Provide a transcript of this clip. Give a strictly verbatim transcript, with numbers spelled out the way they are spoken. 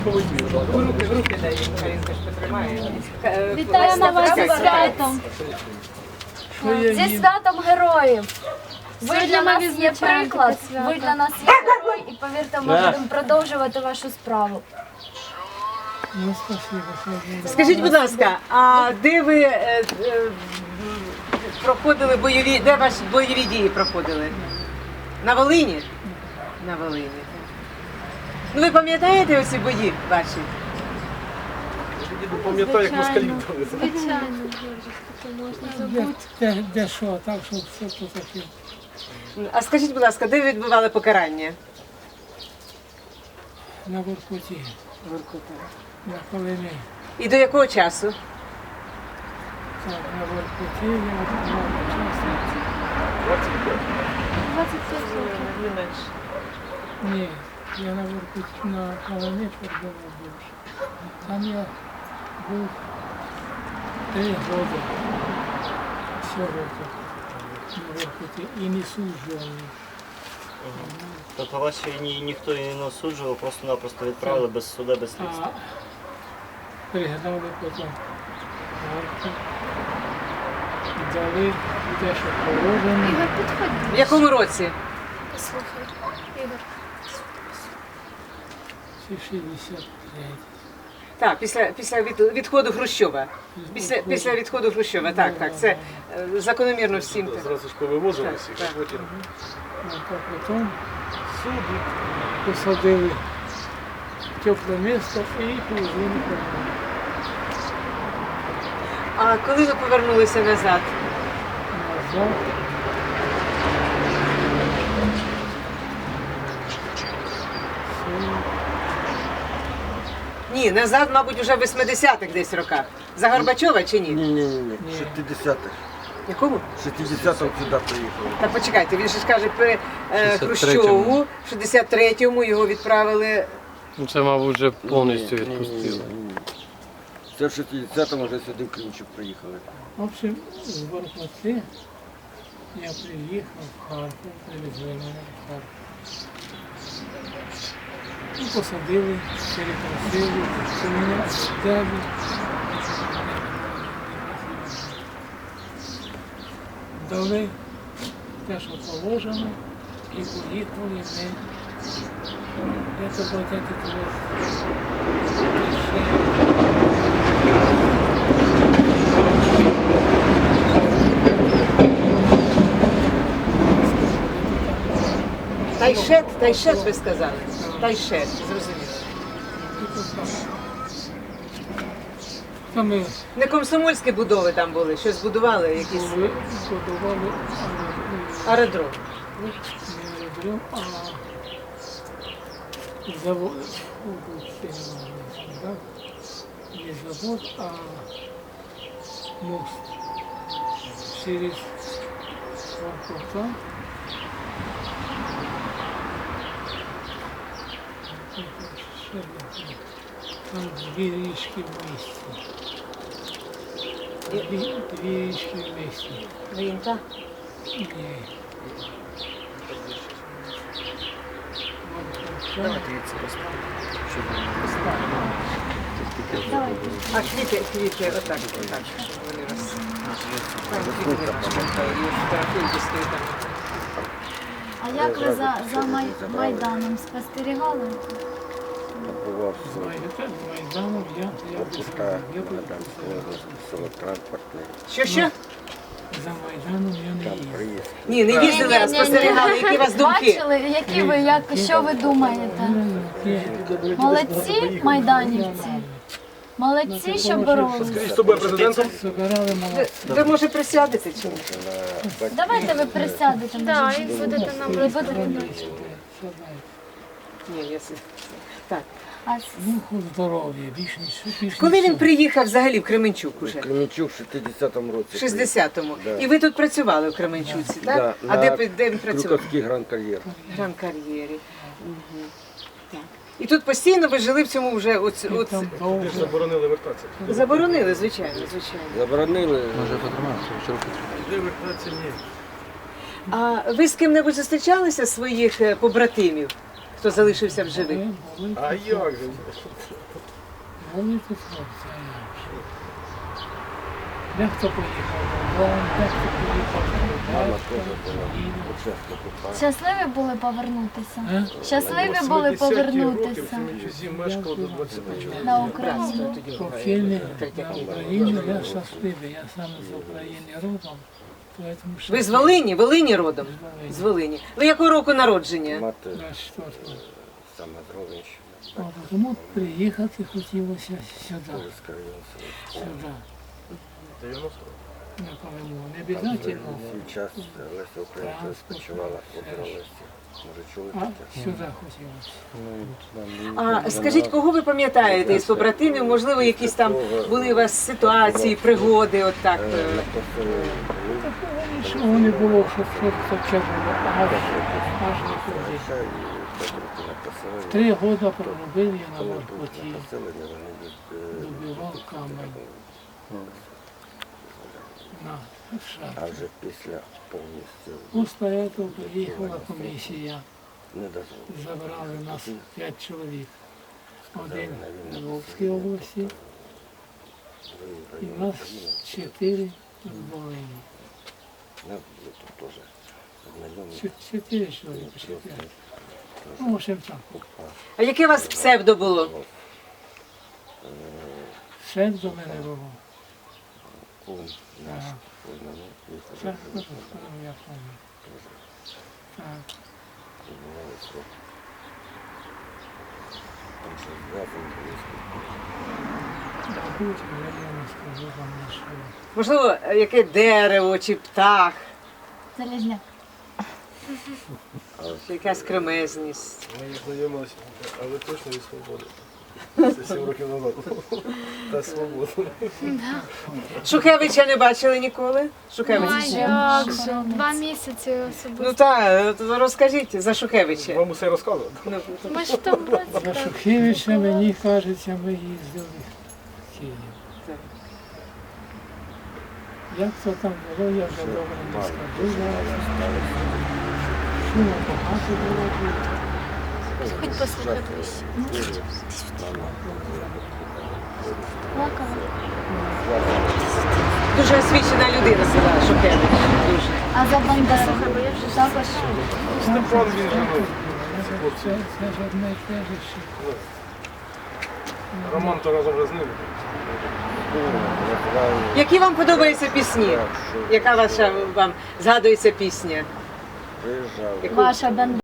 Руки, руки дай, Карінка ж потримає. Вітаємо вас зі святом! Зі святом героїв! Ви для нас є приклад, ви для нас є герой, і повірте, ми будемо продовжувати вашу справу. Ну, спасибо. Скажіть, будь ласка, а де ви е, е, проходили бойові, де ваші бойові дії проходили? На Волині? На Волині. Ну ви пам'ятаєте оці бої ваші? Пам'ятаю, як москалі були. Звичайно, Боже, таке можна Де, забути. де, де що, так, що все то таке. А скажіть, будь ласка, де ви відбували покарання? На Воркуті, на Колині. І до якого часу? Так, на Воркуті я відбував час. двадцять п'ять років. Не менше. Ні, я на Воркуті, на Колині перебував більше. Там я був три роки. Всього на Воркуті і не суджували. Тобто вас ще ні, ніхто і не осуджував, просто-напросто відправили без суда, без слідства. А пригнали потім варку і дали те, що положено. Ігор, підходь. В якому році? Послухай, Ігор. Це шістдесят третій. Так, після, після від, відходу Хрущова. Після, після відходу Хрущова, так, так. Це е, закономірно всім. так. Зразу ж повивозили Так, всіх, так. а потім А потім суди посадили в тепле місто і повезли на кордон. А коли ви повернулися назад? Назад. Ні, назад, мабуть, вже в восьмидесятих десь роках. За Горбачова чи ні? Ні, ні, ні, ні. шістдесятих. Якому? шістдесятих сюди приїхали. Та почекайте, він же ж каже, при е, Хрущову, в шістдесят третьому його відправили. Ну, це, мабуть, вже повністю Ні, ні, ні, відпустили. ні, ні. Це в шістдесятому вже сюди в Кримчук приїхали. В общем, з Воркути я приїхав в Харків, привезли мене в Харків. І посадили, перепросили, що мене взяли. Дали те, що положено, і поїхали ми. Я це платити того. Тайшет, Тайшет ви сказали. Тайшет, зрозуміло. Там ми Не комсомольські будови там були, щось будували, якісь були, подавали аеродром. не аеродром, а завод. Фу, це не можна сказати. Не завод, а мост через Воркута. Там дві річки в місті. Дві, дві річки в місті. Ринка. Ні. Воркута. А квіти, квіти, отак, отак, щоб вони роз... Там квіти не пам'ятаю, і фотографують десь там. А як ви за, за Май, Майданом спостерігали? Бував Знаєте, з Майданом я, я Воркута, я був там село транспортне, Що, що? за Майданом я не там їздив. приїзд. Ні, не їздили, а спостерігали, які у вас думки. Бачили, які ви, як, що ви думаєте? Молодці майданівці? Молодці, що боролися? скажіть, хто буде президентом? Собирали молодці. Ви, може, присядете чи ні? Давайте ви присядете. Так, і будете нам розповідати. Ні, я... с- Так. А Духу здоров'я, більш ніж більш Коли він нічого. приїхав взагалі в Кременчук В уже? Кременчук в шістдесятому році. В шістдесятому. Да. І ви тут працювали в Кременчуці, так? Да, А на де, ви- де він працював? Крюковський гран-кар'єр. В Гран-кар'єрі. Мгм. Так. І тут постійно ви жили в цьому вже оц, оц... Там довго. Заборонили вертатися. Заборонили, звичайно, звичайно. Заборонили. Де вертатися ні. А ви з ким-небудь зустрічалися з своїх е, побратимів? хто залишився в живих? Були, були, А як же? були тут хлопці, а як же. Дехто поїхав додому, дехто поїхав до батька, і- Щасливі були повернутися. Е? Щасливі були повернутися В Семичузі мешкало до двадцяти чоловік. на Україну. Покійний на Україну, я щасливий, я саме з України родом, поэтому Ви з Волині? Волині родом? З Волині. Ви якого року народження? Мати двадцять четвертого. саме здоровіше. От, тому приїхати хотілося сюди, сюди, дев'яносто. на Колиму. Не обов'язково, Свій час Леся Українка спочивала в Лесі. Може чули а таке? сюди хотілося. А скажіть, кого ви пам'ятаєте із побратимів? Можливо, якісь там були у вас ситуації, пригоди, от так? е, Такого нічого не було, щоб щось таке було, аж, аж не туди. Три роки проробив я на воркоті, добивав камень. На А шахті. вже після повністю Після цього приїхала комісія, не дозволили. забрали нас п'ять чоловік. Один в Львовській області і нас чотири в Волині. Ну, ви тут теж знайомі. Чо- Чотири чоловіка, чотири. Ну, в общем так. А яке у вас псевдо було? Все до мене було. Кум наш, Ага. кум, ну, їхали, Це, ну, ну, я пам'ятаю. Так. відбували срок. Там ще зв'язані були. Мабуть, я не скажу вам нічого. Можливо, яке дерево чи птах, Залізняк. чи якась кремезність. Ми знайомилися, але точно від свободи. Це сім років назад. Та свобода. Шухевича не бачили ніколи? Шухевич. Як же? Два місяці особисто. Ну так, розкажіть за Шухевича. Вам усе розказувати? Ну, Ми ж там За Шухевича, мені кажеться, ми їздили в Київ. Так. Як то там було, я вже добре не скажу зараз. Шуму багато було. хоч послухати. Плакала. Дуже освічена людина була Шухевич. Дуже. А за Бандеру також. Степан він живий. Це, це ж одне і те ж. що- Роман то разом вже з ним. Які вам подобаються пісні? Яка ваша вам згадується пісня? Приїжджали. Ваша Бандера.